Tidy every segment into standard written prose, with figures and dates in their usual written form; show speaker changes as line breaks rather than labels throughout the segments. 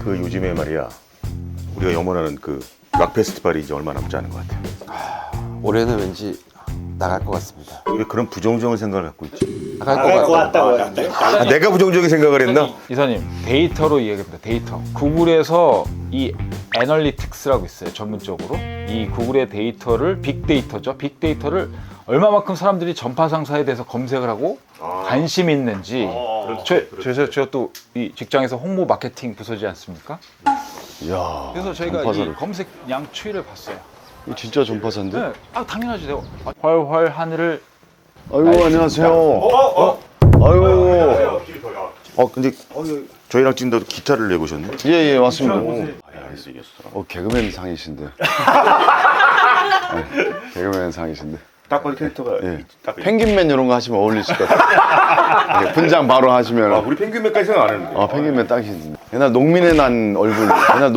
그 요즘에 말이야 우리가 염원하는 그 락 페스티벌이 이제 얼마 남지 않은 것 같아.
올해는 왠지 나갈 것 같습니다.
왜 그런 부정적인 생각을 갖고 있지?
나갈 것 같다고.
아, 내가 부정적인 생각을 했나?
이사님, 데이터로 이야기합니다. 데이터. 구글에서 이 애널리틱스라고 있어요. 전문적으로. 이 구글의 데이터를 빅데이터죠. 빅데이터를 얼마만큼 사람들이 전파 상사에 대해서 검색을 하고 관심이 있는지. 제가 또 이 직장에서 홍보 마케팅 부서지 않습니까?
이야.
그래서 저희가
전파사를.
이 검색량 추이를 봤어요.
이거 진짜 전파사인데?
네. 아, 당연하지. 내가 활활 하늘을
아이고 안녕하세요. 아이고.
근데 저희랑 찍는다고 기타를 내보셨네?
예예 맞습니다.
알겠어 이겼어.
개그맨 상이신데. 네, 개그맨 상이신데.
딱 봐도 캐릭터가
예.
딱
펭귄맨 이런 거 하시면 어울리실 것 같아요. 이렇게 분장 바로 하시면.
우리 펭귄맨까지 생각 안 했는데.
펭귄맨 딱이신데. 옛날 농민의 난 얼굴.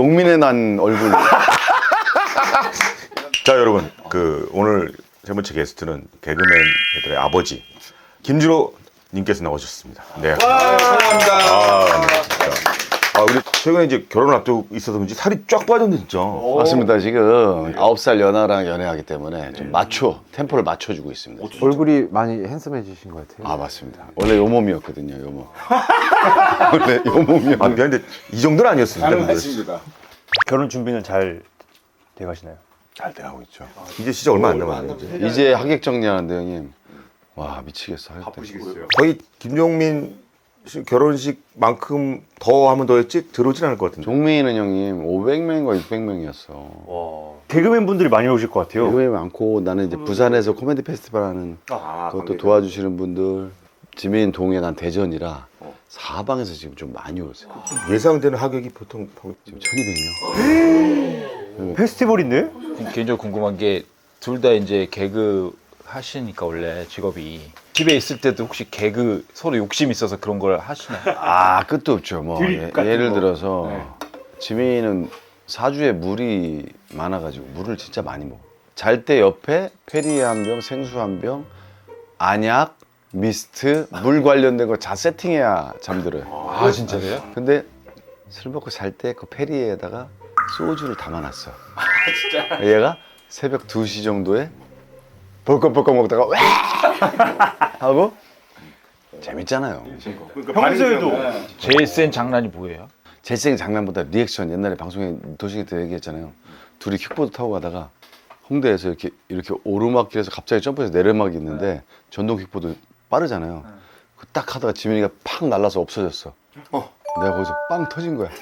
자 여러분 오늘 세 번째 게스트는 개그맨들의 아버지 김준호 님께서 나오셨습니다. 네. 감사합니다. 우리 최근에 이제 결혼을 앞두고 있어서 그런지 살이 쫙 빠졌네 진짜.
맞습니다. 지금 9살 연하랑 연애하기 때문에 좀 템포를 맞춰주고 있습니다.
얼굴이 많이 핸섬해지신 것 같아요.
맞습니다. 원래 요 몸이었거든요. 요 몸. 원래 요 몸이었는데.
미안한데 이 정도는 아니었습니다.
결혼 준비는 잘 돼가시나요?
잘 돼가고 있죠.
이제 진짜 얼마 안 남았네.
이제 하객 정리하는데 형님. 와 미치겠어.
바쁘시겠어요. 거의 김종민 씨 결혼식만큼 더 하면 더 했지 들어오진 않을 것 같은데.
종민이는 형님 500명인가 600명이었어.
개그맨 분들이 많이 오실 것 같아요.
개그맨 많고 나는 이제 부산에서 코미디 페스티벌 하는 그것도 도와주시는 분들. 지민 동해 난 대전이라 사방에서 지금 좀 많이 오세요.
예상되는 하객이 보통
지금 1200명.
페스티벌인데?
개인적으로 궁금한 게 둘 다 이제 개그 하시니까 원래 직업이 집에 있을 때도 혹시 개그 서로 욕심 있어서 그런 걸 하시나요?
끝도 없죠. 뭐 예를 들어서 지민이는 사주에 물이 많아가지고 물을 진짜 많이 먹어. 잘 때 옆에 페리에 한 병, 생수 한 병, 안약, 미스트, 물 관련된 거 다 세팅해야 잠들어요.
진짜로요?
근데 술 먹고 잘 때 그 페리에다가 소주를 담아놨어. 진짜? 얘가 새벽 2시 정도에 벌컥벌컥 먹다가 왜 하고 재밌잖아요.
평소에도
제일 센 장난이 뭐예요?
제생 장난보다 리액션. 옛날에 방송에 도시기 때 얘기했잖아요. 둘이 킥보드 타고 가다가 홍대에서 이렇게 오르막길에서 갑자기 점프해서 내리막이 있는데 전동 킥보드 빠르잖아요. 그 딱 하다가 지민이가 팍 날라서 없어졌어. 내가 거기서 빵 터진 거야.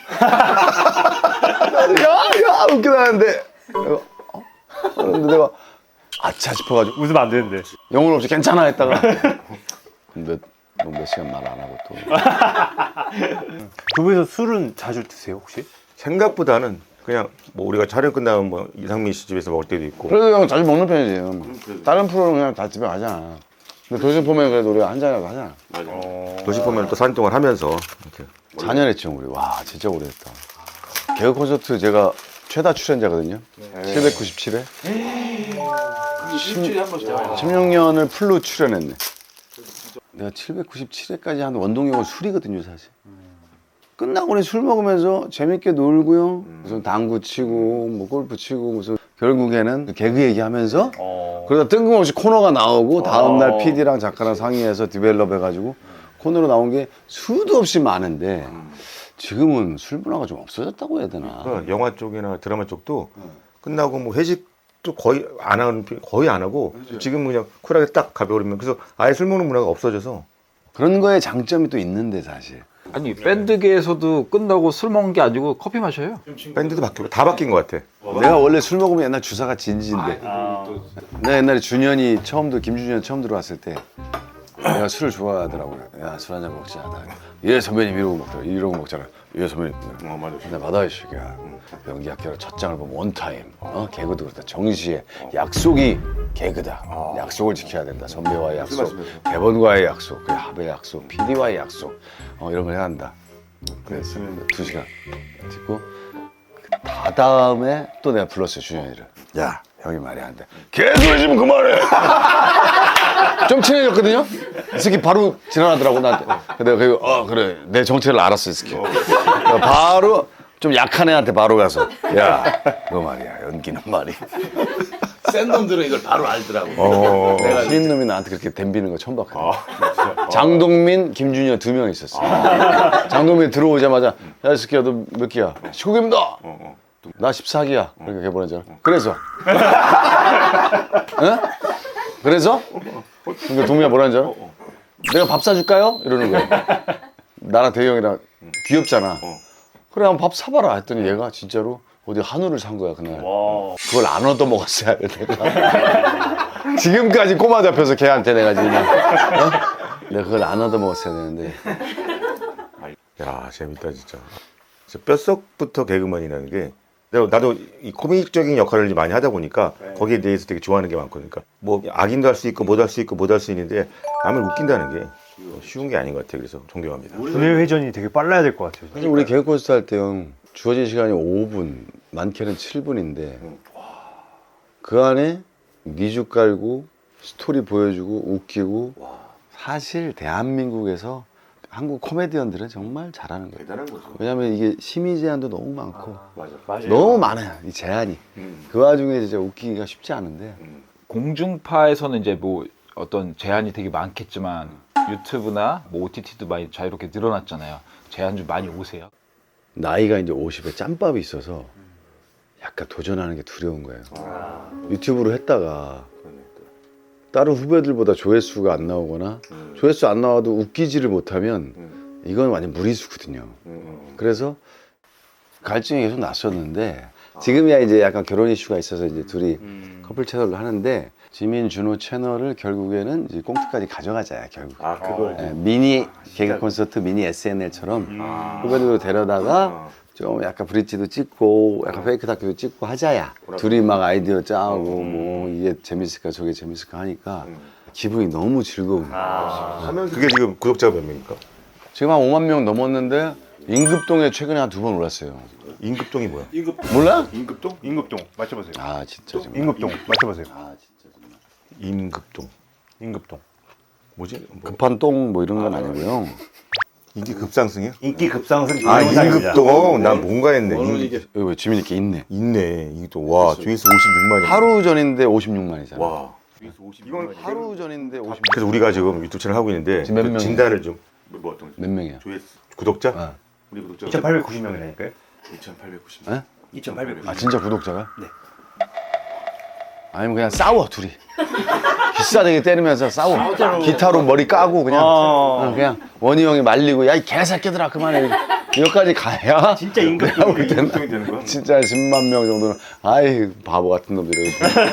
야 웃기다는데 근데 내가 아차 싶어가지고
웃으면 안 되는데.
영혼 없이 괜찮아 했다가 몇 시간 말 안 하고 또.
두 분이서 술은 자주 드세요 혹시?
생각보다는 그냥 뭐 우리가 촬영 끝나면 뭐 이상민 씨 집에서 먹을 때도 있고.
그래도 형 자주 먹는 편이지. 다른 프로는 그냥 다 집에 가잖아. 근데 도시 보면 그래도 우리가 한 잔이라도 하잖아.
도시 보면 또 산동을 하면서 이렇게.
4년 했죠 우리. 와 진짜 오래 했다. 개그 콘서트 제가 최다 출연자거든요. 797회. 16년을 풀로 출연했네. 내가 797회까지 한 원동력은 술이거든요 사실. 끝나고 술 먹으면서 재밌게 놀고요. 무슨 당구 치고 뭐 골프 치고 무슨 결국에는 개그 얘기하면서 그러다 뜬금없이 코너가 나오고 다음날 PD랑 작가랑 상의해서 디벨롭 해가지고 코너로 나온 게 수도 없이 많은데 지금은 술 문화가 좀 없어졌다고 해야 되나.
그러니까 영화 쪽이나 드라마 쪽도 끝나고 뭐 회식도 거의 안 하고 지금 그냥 쿨하게 딱 가벼우면 그래서 아예 술 먹는 문화가 없어져서.
그런 거에 장점이 또 있는데 사실.
아니 밴드계에서도 끝나고 술 먹는 게 아니고 커피 마셔요.
밴드도 바뀌고 다 바뀐 것 같아.
내가 원래 술 먹으면 옛날 주사가 진지인데 내가 옛날에 김준현 처음 들어왔을 때 내가 술을 좋아하더라고요. 야 술 한잔 먹자. 예 선배님 이러고 먹잖아. 예 선배님.
맞아.
근데 받아 이 새끼야. 연기 학교로 첫 장을 보면 원타임. 개그도 그렇다. 정시에 약속이 개그다. 약속을 지켜야 된다. 선배와의 약속, 대본과의 약속, 그래, 합의 약속, PD와의 약속. 이런 걸 해야 한다. 그래서 2시간 듣고 다음에 또 내가 불렀어요 준현이를. 야 형이 말이 안 돼. 개소리지면 그만해. 좀 친해졌거든요. 이 새끼 바로 지나가더라고 나한테. 내가 그래 내 정체를 알았어 이 새끼. 바로 좀 약한 애한테 바로 가서 야, 너 말이야 연기는 말이 센 놈들은 이걸 바로 알더라고. 내가 신인 놈이 나한테 그렇게 덤비는 거 처음 봤거든. 장동민, 김준현 2명 있었어. 장동민 들어오자마자 야, 이 새끼야 너 몇 기야? 19기입니다. 나 14기야. 그렇게 해버렸잖아. 그래서 응? 그래서? 그러니까 동민아 뭐라는 줄 알아? 내가 밥 사줄까요? 이러는 거야. 나랑 대희 형이랑 귀엽잖아. 그래 한번 밥 사봐라 했더니 얘가 진짜로 어디 한우를 산 거야 그날. 그걸 안 얻어먹었어야 돼 내가. 지금까지 꼬마 잡혀서 걔한테 내가 지금 내가 그걸 안 얻어먹었어야 되는데.
야 재밌다 진짜. 뼛속부터 개그맨이라는 게 나도 이 코믹적인 역할을 많이 하다 보니까 거기에 대해서 되게 좋아하는 게 많거든요. 그러니까 뭐 악인도 할 수 있고 못 할 수 있고 못 할 수 있는데 남을 웃긴다는 게 쉬운 게 아닌 것 같아요. 그래서 존경합니다.
두뇌 회전이 되게 빨라야 될 것 같아요.
사실 우리 개그 콘서트 할 때 형 주어진 시간이 5분, 많게는 7분인데 그 안에 미주 깔고 스토리 보여주고 웃기고 사실 대한민국에서 한국 코미디언들은 정말 잘하는 거예요.
대단한 거죠.
왜냐면 이게 심의 제한도 너무 많고
맞아.
너무 많아요 이 제한이. 그 와중에 진짜 웃기기가 쉽지 않은데
공중파에서는 이제 뭐 어떤 제한이 되게 많겠지만 유튜브나 뭐 OTT도 많이 자유롭게 늘어났잖아요. 제한 좀 많이 오세요.
나이가 이제 50에 짬밥이 있어서 약간 도전하는 게 두려운 거예요. 유튜브로 했다가 다른 후배들보다 조회수가 안 나오거나 조회수 안 나와도 웃기지를 못하면 이건 완전 무리수거든요. 그래서 갈증이 계속 났었는데 지금이야 이제 약간 결혼 이슈가 있어서 이제 둘이 커플 채널을 하는데 지민 준호 채널을 결국에는 이제 꽁트까지 가져가자야 결국.
그걸
예, 미니 개그 콘서트 미니 SNL처럼 후배들도 데려다가 좀 약간 브릿지도 찍고 약간 페이크 다큐도 찍고 하자야. 둘이 막 아이디어 짜고 뭐 이게 재밌을까 저게 재밌을까 하니까 기분이 너무 즐거운 거야.
그게 지금 구독자가 몇 명입니까?
지금 한 5만 명 넘었는데 임급동에 최근에 한 2번 올랐어요.
임급동이 뭐야?
몰라?
임급동? 임급동 맞춰보세요.
아 진짜 좀.
임급동 맞춰보세요.
임급동
임급동.
뭐지? 뭐,
급한 똥 뭐 이런 건 아니고요.
인기 급상승이야?
인기 급상승.
아
동영상입니다.
임급동 난 뭔가 했네.
여기 왜 지민 이렇게 있네.
있네. 이게 또 와 조회수 56만이.
하루 전인데 56만이잖아.
와.
이건 하루 전인데 56만.
그래서 우리가 지금 유튜브 채널 하고 있는데
지금 몇
그
명이야?
진단을 좀 뭐 어떤
몇 명이야?
조회수 구독자?
어.
우리 구독자
2,890명이라니까요.
2,890.
에?
2,890명.
아 진짜 구독자가?
네.
아니면 그냥 싸워 둘이. 기싸대기 때리면서 싸워. 기타로 머리 까고 그냥 그냥 원희 형이 말리고 야 이 개새끼들아 그만해. 여기까지 가야
진짜
내가 볼 때는
임급동이 되는 거야?
진짜 10만 명 정도는 아이 바보 같은 놈들이.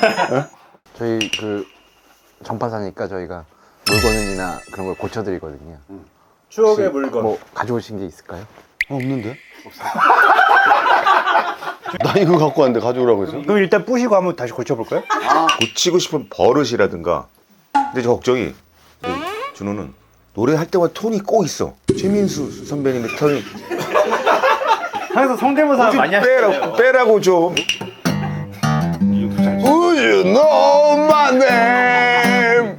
저희 그 전파사니까 저희가 물건이나 그런 걸 고쳐드리거든요.
추억의 물건.
뭐 가져오신 게 있을까요?
없는데? 나 이거 갖고 왔는데 가져오라고 해서.
그럼 일단 부시고 한번 다시 고쳐볼까요?
고치고 싶은 버릇이라든가. 근데 저 걱정이 준호는 노래할 때마다 톤이 꼭 있어. 최민수 선배님의 톤이
항상 성대모사 많이 하시잖아요.
빼라고 좀.
Would you know my name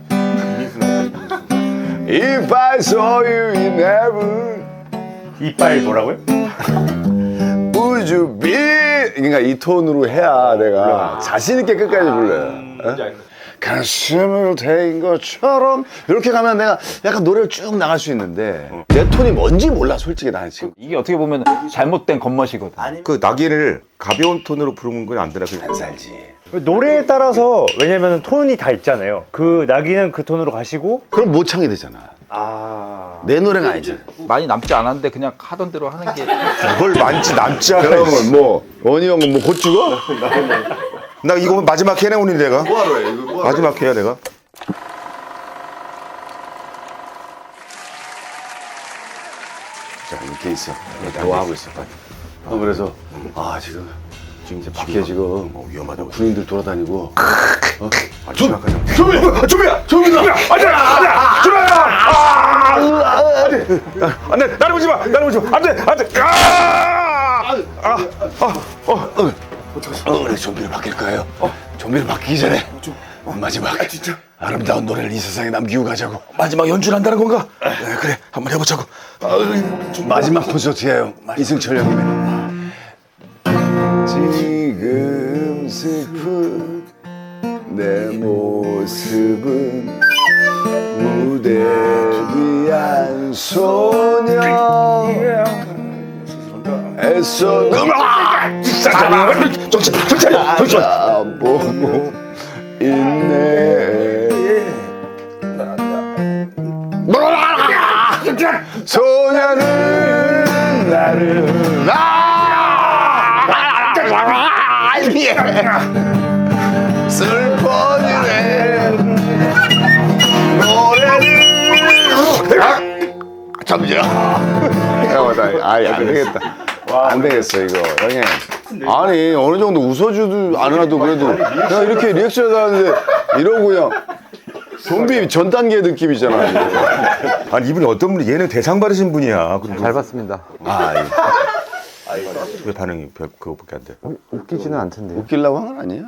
if I saw you in heaven?
이빨 뭐라고요?
Would you be? 그러니까 이 톤으로 해야 내가 자신 있게 끝까지 불러요. 가슴을 대인 것처럼 이렇게 가면 내가 약간 노래를 쭉 나갈 수 있는데 내 톤이 뭔지 몰라 솔직히 나는 지금.
이게 어떻게 보면 잘못된 겉멋이거든.
그 나기를 가벼운 톤으로 부르는 건 안 되나?
안 살지.
노래에 따라서 왜냐면 톤이 다 있잖아요. 그 나기는 그 톤으로 가시고.
그럼 모창이 되잖아. 내 노래가 아니잖아.
많이 남지 않았는데 그냥 하던 대로 하는 게
뭘 많지 남지 않아.
그러면 뭐 원희 형은 뭐 곧 죽어?
나 이거 마지막 해내 오니 내가.
뭐하러 해? 이거
마지막 해야 내가.
자 이렇게 있어. 대화하고 있어. 그래서 아 지금 밖에 지금
위험하다고.
군인들 돌아다니고.
안돼 나를 보지 마. 나를 보지 마. 안돼 안돼.
우리 좀비로 바뀔 거예요. 좀비로 바뀌기 전에 마지막 아름다운 노래를 이 세상에 남기고 가자고.
마지막 연주를 한다는 건가? 그래 한번 해보자고.
마지막 콘서트예요. 이승철 형님의 지금 슬픈 내 모습은 무대 위한 소녀 애써 보고 있네 소녀는 나를 슬퍼지네 노래를 잠시만 아이 안 되겠다 안 되겠어 이거 형님 아니 어느 정도 웃어주도 안 하도 그래도 그냥 이렇게 리액션 하는데 이러고 그냥 좀비 전 단계 느낌이잖아 이거.
아니 이분이 어떤 분이 얘는 대상 받으신 분이야. 그리고
잘 봤습니다.
왜 반응이 별 그거밖에 안 돼?
웃기지는 않던데요.
웃기려고 한 건 아니야?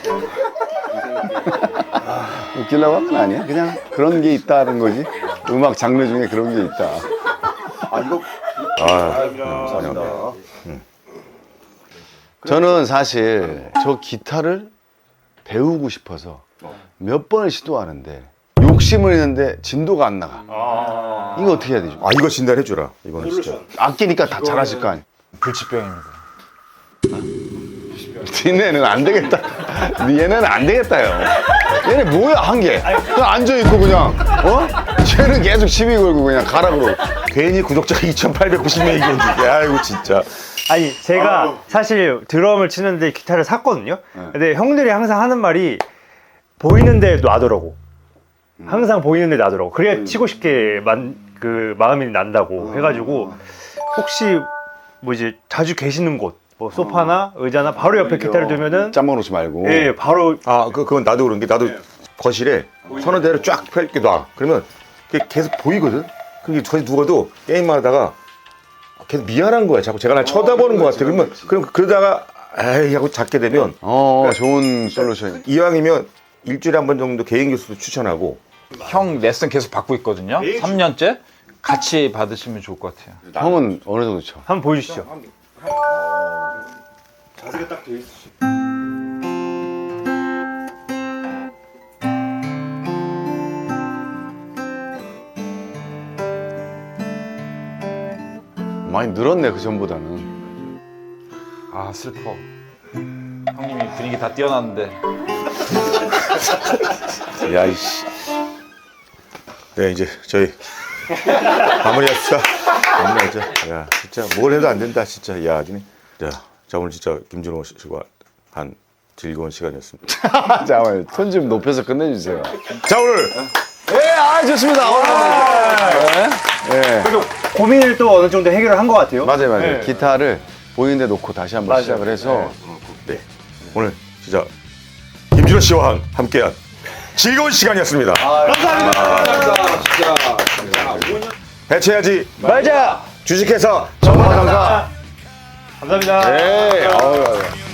웃기려고 한 건 아니야? 그냥 그런 게 있다는 거지 음악 장르 중에 그런 게 있다
감사합니다.
저는 사실 저 기타를 배우고 싶어서 몇 번을 시도하는데 욕심을 했는데 진도가 안 나가 이거 어떻게 해야 되죠?
아 이거 진단해 주라. 이거는 진짜.
아끼니까 다 잘하실 거 아니야
불치병입니다.
니네는 안 되겠다 얘네는 안 되겠다요 얘네 뭐야 한게 그냥 앉아있고 그냥 쟤는 계속 시비 걸고 그냥 가라 그러고
괜히 구독자가 2,890명이 있는데 아이고 진짜.
아니 제가 사실 드럼을 치는데 기타를 샀거든요. 근데 형들이 항상 하는 말이 보이는데 놔두라고. 항상 보이는데 놔두라고. 그래야 치고 싶게 그 마음이 난다고 해가지고 혹시 뭐 이제 자주 계시는 곳, 뭐 소파나 의자나 바로 옆에 기타를 두면은
짬뽕 놓지 말고
예 바로
그건 나도 그런 게 나도 거실에 서너 대를 쫙 펼게 놔. 그러면 그게 계속 보이거든. 그게 거기 누워도 게임만 하다가 계속 미안한 거야. 자꾸 제가 날 쳐다보는 것 같아. 그럼 그러다가 에이 하고 잤게 되면
좋은 솔루션
이왕이면 일주일에 한 번 정도 개인 교수도 추천하고.
형 레슨 계속 받고 있거든요. 3년째 같이 받으시면 좋을 것 같아요.
형은 어느 정도 쳐?
한번 보여주시죠.
많이 늘었네 그 전보다는
아 슬퍼. 형님이 분위기 다 띄어놨는데.
야이씨. 네 이제 저희 마무리합시다. 마무리하자. 야 진짜 뭘 해도 안 된다 진짜. 야 자 오늘 진짜 김준호 씨와 한 즐거운 시간이었습니다.
잠깐만요 톤 좀 높여서 끝내주세요
자 오늘
좋습니다
그래도 고민을 또 어느 정도 해결을 한 것 같아요.
맞아요
네.
기타를 보이는 데 놓고 다시 한번 시작을 해서
네 오늘 진짜 김준호 씨와 함께한 즐거운 시간이었습니다. 감사합니다. 진짜. 해체하지
말자.
주식회사
정보상사
감사합니다.
네.